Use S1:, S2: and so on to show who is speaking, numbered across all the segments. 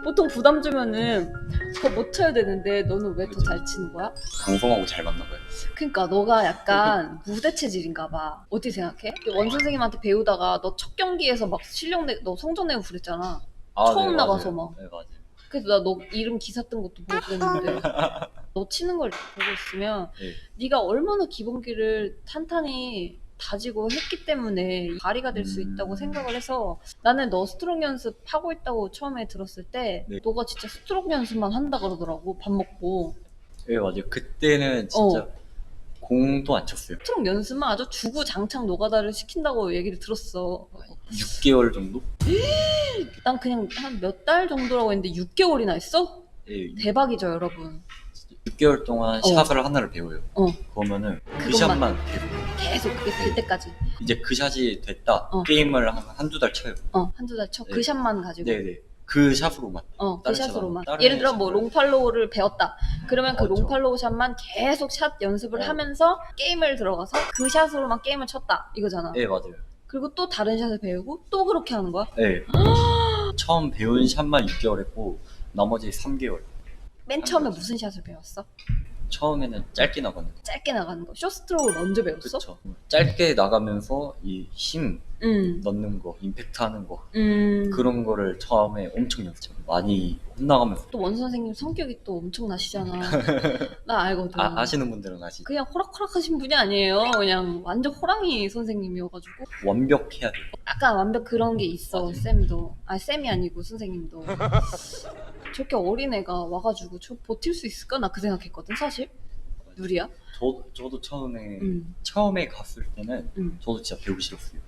S1: 보통 부담 주면은 더 못 쳐야 되는데 너는 왜 더 잘 치는 거야?
S2: 방송하고 잘 맞나 봐요.
S1: 그러니까 너가 약간 무대 체질인가 봐. 어떻게 생각해? 원 선생님한테 배우다가 너 첫 경기에서 막 너 성적 내고 그랬잖아. 처음
S2: 네,
S1: 나가서
S2: 맞아요.
S1: 막.
S2: 네, 맞아요.
S1: 그래서 나 너 이름 기사 뜬 것도 보고 그랬는데 너 치는 걸 보고 있으면
S2: 네.
S1: 네가 얼마나 기본기를 탄탄히 다지고 했기 때문에 발휘가 될 수 있다고 생각을 해서 나는 너 스트로크 연습하고 있다고 처음에 들었을 때
S2: 네.
S1: 너가 진짜 스트로크 연습만 한다 그러더라고. 밥 먹고.
S2: 네, 맞아요. 그때는 진짜
S1: 어.
S2: 공도 안 쳤어요.
S1: 스트로크 연습만 아주 주구장창 노가다를 시킨다고 얘기를 들었어.
S2: 6개월 정도?
S1: 난 그냥 한 몇 달 정도라고 했는데 6개월이나 했어?
S2: 네,
S1: 대박이죠, 여러분.
S2: 6개월 동안 샷을 하나를 배워요. 그러면은 그
S1: 그것만.
S2: 샷만 계속.
S1: 계속 그게 될 때까지.
S2: 이제 그 샷이 됐다.
S1: 어.
S2: 게임을 한두 달 쳐요.
S1: 한두 달 쳐.
S2: 네.
S1: 그 샷만 가지고.
S2: 네네. 그 샷으로만.
S1: 그
S2: 다른
S1: 샷으로만.
S2: 샷은
S1: 예를 들어 뭐
S2: 샷을.
S1: 롱팔로우를 배웠다. 그러면 그
S2: 그렇죠.
S1: 롱팔로우 샷만 계속 샷 연습을 하면서 게임을 들어가서 그 샷으로만 게임을 쳤다. 이거잖아.
S2: 네, 맞아요.
S1: 그리고 또 다른 샷을 배우고 또 그렇게 하는 거야?
S2: 네. 처음 배운 샷만 6개월 했고 나머지 3개월.
S1: 맨 처음에 무슨 샷을 배웠어?
S2: 처음에는 짧게 나가는 거.
S1: 짧게 나가는 거. 쇼스트로우를 먼저 배웠어?
S2: 그렇죠. 짧게 나가면서 이 힘
S1: 응.
S2: 넣는 거, 임팩트 하는 거
S1: 그런
S2: 그런 거를 처음에 엄청 연습 많이 혼나가면서.
S1: 또 원 선생님 성격이 또 엄청나시잖아. 나 알거든.
S2: 아시는 분들은 아시죠?
S1: 그냥 호락호락하신 분이 아니에요. 그냥 완전 호랑이 선생님이어가지고
S2: 완벽해야 돼.
S1: 약간 완벽 그런 게 있어.
S2: 맞아요.
S1: 쌤도. 쌤이 아니고 선생님도. 저렇게 어린 애가 와가지고 저 버틸 수 있을까? 나 그 생각했거든 사실. 누리야?
S2: 저도 처음에
S1: 응.
S2: 처음에 갔을 때는
S1: 응.
S2: 저도 진짜 배우기 싫었어요.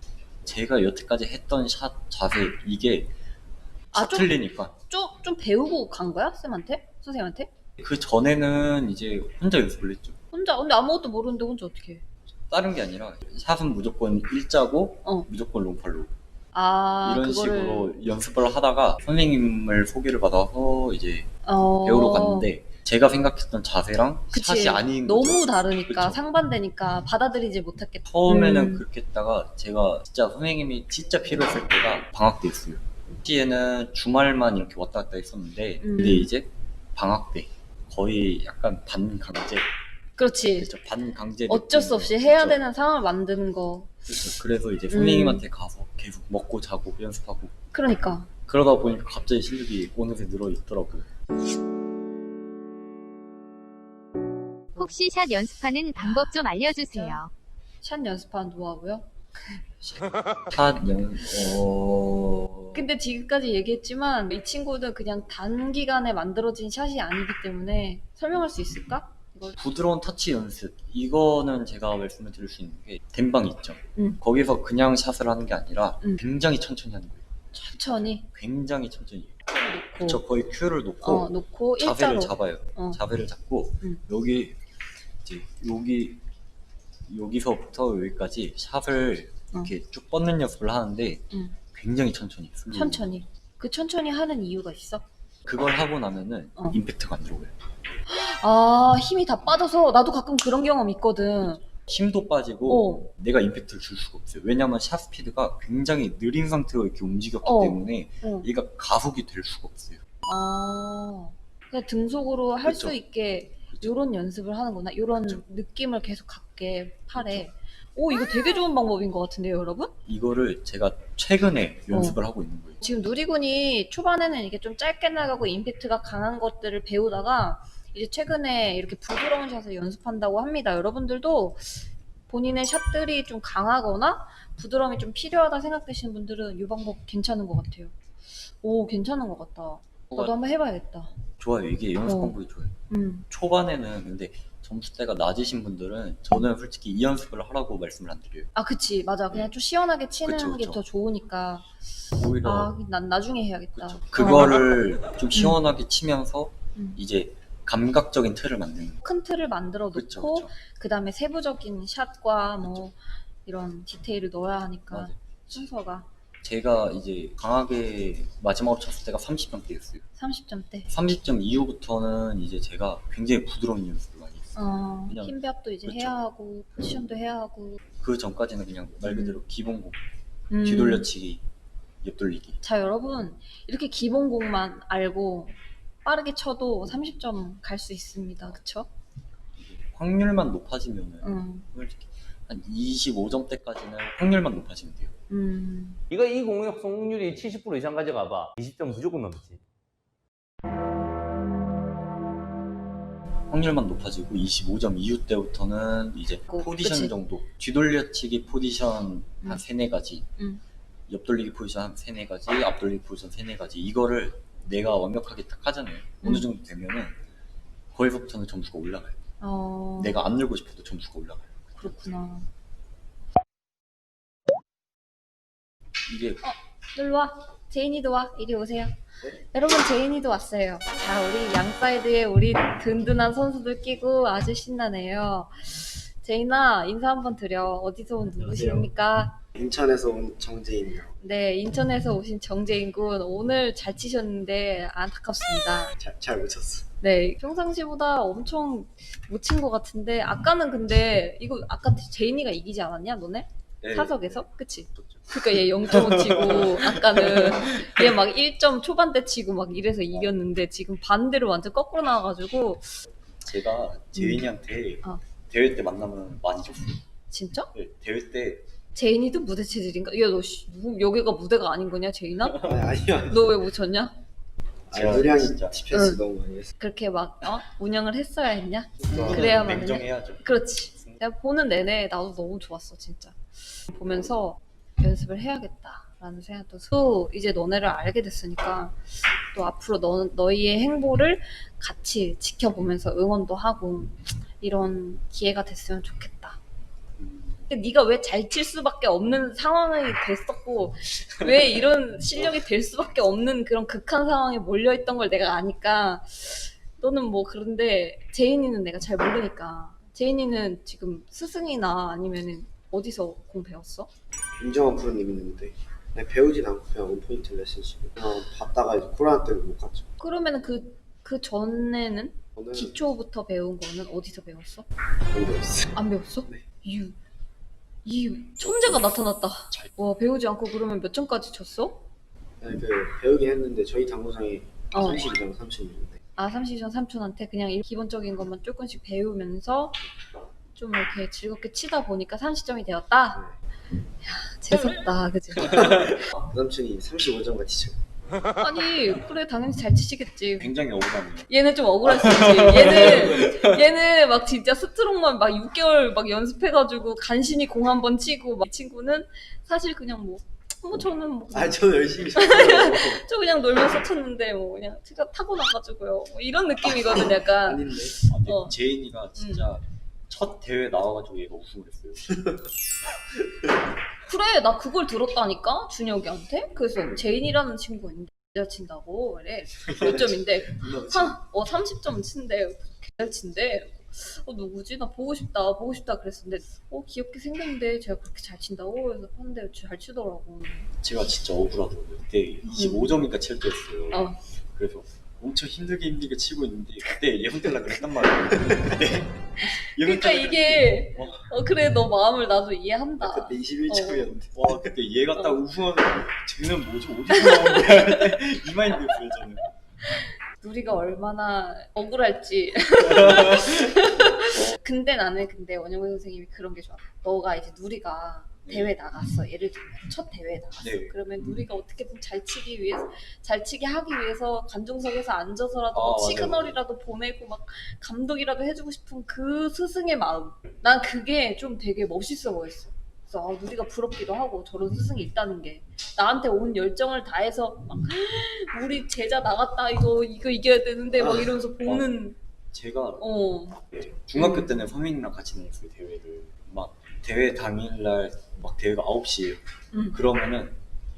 S2: 제가 여태까지 했던 샷 자세 이게 샷
S1: 좀-
S2: 틀리니까.
S1: 좀 배우고 간 거야? 쌤한테? 선생님한테?
S2: 그 전에는 이제 혼자 연습을 했죠.
S1: 혼자? 근데 아무것도 모르는데 혼자 어떻게 해?
S2: 다른 게 아니라 샷은 무조건 일자고
S1: 어.
S2: 무조건 롱팔로
S1: 아,
S2: 이런
S1: 그거를
S2: 식으로 연습을 하다가 선생님을 소개를 받아서 이제
S1: 어...
S2: 배우러 갔는데 제가 생각했던 자세랑
S1: 그치.
S2: 샷이 아닌
S1: 너무
S2: 거죠.
S1: 다르니까
S2: 그쵸.
S1: 상반되니까 받아들이지 못했겠다.
S2: 처음에는 그렇게 했다가 제가 진짜 선생님이 진짜 필요했을 때가 방학 때였어요. 시에는 주말만 이렇게 왔다 갔다 했었는데 근데 이제 방학 때 거의 약간 반강제.
S1: 그렇지.
S2: 그렇죠. 반강제
S1: 어쩔 수
S2: 느낌으로.
S1: 없이 해야
S2: 그쵸.
S1: 되는 상황을 만드는 거.
S2: 그렇죠. 그래서 이제 선생님한테 가서 계속 먹고 자고 연습하고
S1: 그러니까.
S2: 그러다 보니까 갑자기 실력이 어느새 늘어 있더라고요.
S3: 혹시 샷 연습하는 방법 좀 알려주세요.
S1: 샷 연습하는 노하우요? 근데 지금까지 얘기했지만 이 친구는 그냥 단기간에 만들어진 샷이 아니기 때문에 설명할 수 있을까? 이걸
S2: 부드러운 터치 연습 이거는 제가 말씀을 드릴 수 있는 게 댄방 있죠.
S1: 응.
S2: 거기서 그냥 샷을 하는 게 아니라
S1: 응.
S2: 굉장히 천천히 하는 거예요.
S1: 천천히
S2: 굉장히 천천히.
S1: 놓고
S2: 저 거의 큐를 놓고
S1: 놓고
S2: 자세를
S1: 일자로
S2: 잡아요.
S1: 어.
S2: 자세를 잡고
S1: 응.
S2: 여기 이제 여기서부터 여기까지 샷을 이렇게 쭉 뻗는 연습을 하는데
S1: 응.
S2: 굉장히 천천히. 슬로우.
S1: 천천히. 그 천천히 하는 이유가 있어?
S2: 그걸 하고 나면은 임팩트가 안 들어오요.
S1: 힘이 다 빠져서 나도 가끔 그런 경험 있거든.
S2: 힘도 빠지고 내가 임팩트를 줄 수가 없어요. 왜냐면 샷 스피드가 굉장히 느린 상태로 이렇게 움직였기 때문에 얘가 가속이 될 수가 없어요.
S1: 그냥 등속으로 할 수
S2: 그쵸.
S1: 있게
S2: 그쵸.
S1: 요런 연습을 하는구나. 요런
S2: 그쵸.
S1: 느낌을 계속 갖게 팔에. 이거 되게 좋은 방법인 것 같은데요, 여러분?
S2: 이거를 제가 최근에 연습을 하고 있는 거예요.
S1: 지금 누리군이 초반에는 이게 좀 짧게 나가고 임팩트가 강한 것들을 배우다가 이제 최근에 이렇게 부드러운 샷을 연습한다고 합니다. 여러분들도 본인의 샷들이 좀 강하거나 부드러움이 좀 필요하다 생각되시는 분들은 이 방법 괜찮은 것 같아요. 괜찮은 것 같다. 나도 한번 해봐야겠다.
S2: 좋아요. 이게 연습 방법이 좋아요. 초반에는 근데 점수대가 낮으신 분들은 저는 솔직히 이 연습을 하라고 말씀을 안 드려요.
S1: 그치. 맞아. 그냥 좀 시원하게 치는
S2: 그쵸,
S1: 게
S2: 그쵸.
S1: 더 좋으니까.
S2: 오히려
S1: 난 나중에 해야겠다.
S2: 그거를 좀 시원하게 치면서
S1: 음.
S2: 이제 감각적인 틀을 만드는 거예요.
S1: 큰 틀을 만들어
S2: 그쵸,
S1: 놓고
S2: 그쵸.
S1: 그 다음에 세부적인 샷과 뭐 이런 디테일을 넣어야 하니까
S2: 맞아요.
S1: 순서가
S2: 제가 이제 강하게 마지막으로 쳤을 때가 30점대였어요.
S1: 30점대.
S2: 30점 이후부터는 이제 제가 굉장히 부드러운 연습을 많이 했어요. 그냥-
S1: 힘배합도 이제
S2: 그쵸.
S1: 해야 하고 포지션도 해야 하고
S2: 그 전까지는 그냥 말 그대로 기본공,
S1: 음.
S2: 뒤돌려치기 옆돌리기.
S1: 자, 여러분, 이렇게 기본곡만 알고 빠르게 쳐도 30점 갈 수 있습니다. 그쵸?
S2: 확률만 높아지면은
S1: 응.
S2: 솔직히 한 25점대까지는 확률만 높아지면 돼요.
S4: 이거 이 공격 성공률이 70% 이상 가져가봐. 20점 무조건 넘지.
S2: 확률만 높아지고 25점 이후 때부터는 이제 포지션
S1: 그치.
S2: 정도, 뒤돌려치기 포지션 한 3-4가지,
S1: 음.
S2: 옆돌리기 포지션 한 3-4가지, 앞돌리기 포지션 3-4가지, 이거를 내가 완벽하게 딱 하잖아요. 어느 정도 되면은 거기서부터는 점수가 올라가요. 내가 안 늘고 싶어도 점수가 올라가요.
S1: 그렇구나.
S2: 이게
S1: 일로 와. 제인이도 와. 이리 오세요. 여러분, 제인이도 왔어요. 자, 우리 양사이드에 우리 든든한 선수들 끼고 아주 신나네요. 제인아, 인사 한번 드려. 어디서 온 누구십니까?
S5: 인천에서 온 정재인이요.
S1: 네, 인천에서 오신 정재인 군. 오늘 잘 치셨는데 안타깝습니다.
S5: 잘 못 쳤어.
S1: 네, 평상시보다 엄청 못 친 것 같은데 아까는 근데 이거 아까 제인이가 이기지 않았냐, 너네?
S2: 네.
S1: 사석에서? 그치? 그러니까 얘 0.5 치고 아까는 얘 막 1점 초반대 치고 막 이래서 이겼는데 지금 반대로 완전 거꾸로 나와가지고
S2: 제가 제인이한테
S1: 어.
S2: 대회 때 만나면 많이 줬어요.
S1: 진짜?
S2: 네, 대회 때
S1: 제인이도 무대 체질인가? 야, 너 여기가 무대가 아닌 거냐, 제인아?
S5: 아니요.
S1: 너 왜 못 쳤냐?
S2: 제가
S5: 누량이
S2: 진짜
S5: TPS
S1: 응.
S5: 너무 많이 했어.
S1: 그렇게 막 운영을 했어야 했냐?
S5: 그러니까
S1: 그래야만
S2: 냉정해야죠.
S1: 그렇지. 내가 보는 내내 나도 너무 좋았어, 진짜. 보면서 연습을 해야겠다라는 생각도 또 이제 너네를 알게 됐으니까 또 앞으로 너희의 행보를 같이 지켜보면서 응원도 하고 이런 기회가 됐으면 좋겠다. 근데 네가 왜 잘 칠 수밖에 없는 상황이 됐었고 왜 이런 실력이 될 수밖에 없는 그런 극한 상황에 몰려있던 걸 내가 아니까 너는 뭐 그런데 제인이는 내가 잘 모르니까 제인이는 지금 스승이나 아니면은 어디서 공 배웠어?
S5: 윤정환 프로님 있는데 그냥 배우진 않고 그냥 원포인트 레슨식으로 그냥 봤다가 이제 코로나 때문에 못 갔죠.
S1: 그러면은 그 전에는
S5: 저는
S1: 기초부터 배운 거는 어디서 배웠어?
S5: 안 배웠어요.
S1: 안 배웠어?
S5: 네.
S1: 이 천재가 나타났다. 와, 배우지 않고 그러면 몇 점까지 쳤어?
S5: 그냥 배우긴 했는데 저희 당구장에
S1: 어.
S5: 32점 30인데
S1: 아, 30전 삼촌한테 그냥 기본적인 것만 조금씩 배우면서 좀 이렇게 즐겁게 치다 보니까 30점이 되었다? 재밌다, 그치?
S5: 그 삼촌이 35점 같이 쳐.
S1: 아니, 그래, 당연히 잘 치시겠지.
S2: 굉장히 억울하네요.
S1: 얘는 좀 억울할 수 있지. 얘는 막 진짜 스트롱만 막 6개월 막 연습해가지고 간신히 공 한 번 치고 막 이 친구는 사실 그냥 뭐 저는 뭐
S5: 아 저는 열심히 쳤어요.
S1: 저 그냥 놀면서 쳤는데 뭐 그냥 제가 타고 나가지고요. 뭐 이런 느낌이거든, 약간.
S5: 아닌데.
S2: 아, 근데
S1: 어.
S2: 제인이가 진짜 첫 대회 나와가지고 얘가 우승을 했어요.
S1: 그래, 나 그걸 들었다니까, 준혁이한테. 그래서 제인이라는 친구가 있는데 잘 친다고 그래. 몇 점인데 30점 친대. 잘 친대. 누구지? 나 보고 싶다 그랬었는데 귀엽게 생겼는데 제가 그렇게 잘 친다고 그래서 봤는데 잘 치더라고.
S2: 제가 진짜 억울하더라고요. 그때 25점인가 칠 때였어요.
S1: 어.
S2: 그래서 엄청 힘들게 치고 있는데 그때 예선 뛸라 그랬단 말이에요. 그때
S1: 그러니까 이게 그래, 너 마음을 나도 이해한다.
S5: 그때 21점이었는데.
S2: 와 그때 얘가 딱 우승하는 쟤는 뭐지 어디서 나온 거야 그때 이 마인드였어요 저는.
S1: 누리가 얼마나 억울할지. 근데 나는 원영훈 선생님이 그런 게 좋아. 너가 이제 누리가 대회 나갔어. 예를 들면 첫 대회에 나갔어.
S2: 네.
S1: 그러면 누리가 어떻게든 잘 치게 하기 위해서 관중석에서 앉아서라도 막
S2: 맞아요.
S1: 시그널이라도 보내고 막 감독이라도 해주고 싶은 그 스승의 마음. 난 그게 좀 되게 멋있어 보였어. 그래서 누리가 부럽기도 하고 저런 스승이 있다는 게 나한테 온 열정을 다해서 막 우리 제자 나갔다 이거 이겨야 되는데 막 이러면서 보는
S2: 제가
S1: 음.
S2: 중학교 때는 선생님이랑 같이 나갔어요 대회를. 막 대회 당일날 막 대회가 9시에요. 그러면은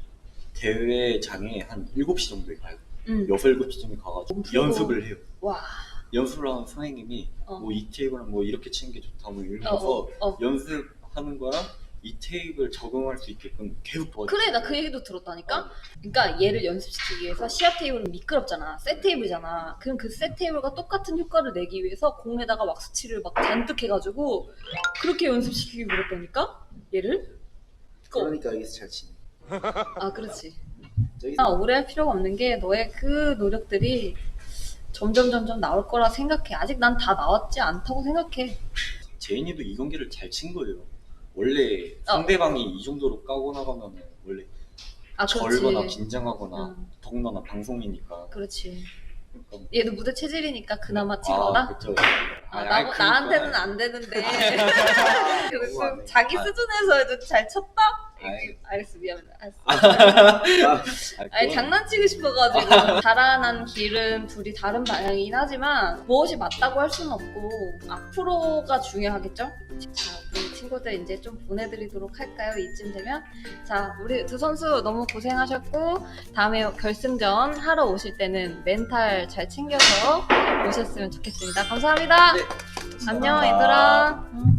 S2: 대회장에 한 7시 정도에 가요. 6, 7시쯤에 가가지고 연습을 해요.
S1: 와.
S2: 연습을 하는 선생님이 뭐 이 테이블은 뭐 이렇게 치는 게 좋다 뭐 이러면서 연습하는 거랑 이 테이블 적응할 수 있게끔 계속 도와줘요.
S1: 그래, 나 그 얘기도 들었다니까? 그러니까 얘를 연습시키기 위해서 시합 테이블은 미끄럽잖아. 셋 테이블이잖아. 그럼 그 셋 테이블과 똑같은 효과를 내기 위해서 공에다가 왁스칠을 막 잔뜩 해가지고 그렇게 연습시키기 그랬다니까? 얘를?
S5: 그러니까 여기서 잘 치네.
S1: 아, 그렇지.
S5: 저기서
S1: 오래 할 필요가 없는 게 너의 그 노력들이 점점 나올 거라 생각해. 아직 난 다 나왔지 않다고 생각해.
S2: 제인이도 이 경기를 잘 친 거예요. 원래 상대방이 이 정도로 까고 나가면 원래
S1: 그렇지.
S2: 절거나 긴장하거나
S1: 응.
S2: 더군다나 방송이니까.
S1: 그렇지.
S2: 그러니까
S1: 얘도 무대 체질이니까 그나마 치거나.
S2: 그쵸.
S1: 나한테는 안 되는데. 그래서
S5: 우와, 네.
S1: 자기
S2: 아.
S1: 수준에서 해도 잘 쳤다?
S2: 아이,
S1: 알겠어, 미안해. 알았어. 아니,
S2: 그건-
S1: 장난치고 싶어가지고. 자라난 길은 둘이 다른 방향이긴 하지만 무엇이 맞다고 할 수는 없고 앞으로가 중요하겠죠? 자, 우리 친구들 이제 좀 보내드리도록 할까요? 이쯤 되면? 자, 우리 두 선수 너무 고생하셨고 다음에 결승전 하러 오실 때는 멘탈 잘 챙겨서 오셨으면 좋겠습니다. 감사합니다.
S2: 네,
S1: 안녕
S2: 감사합니다.
S1: 얘들아. 응.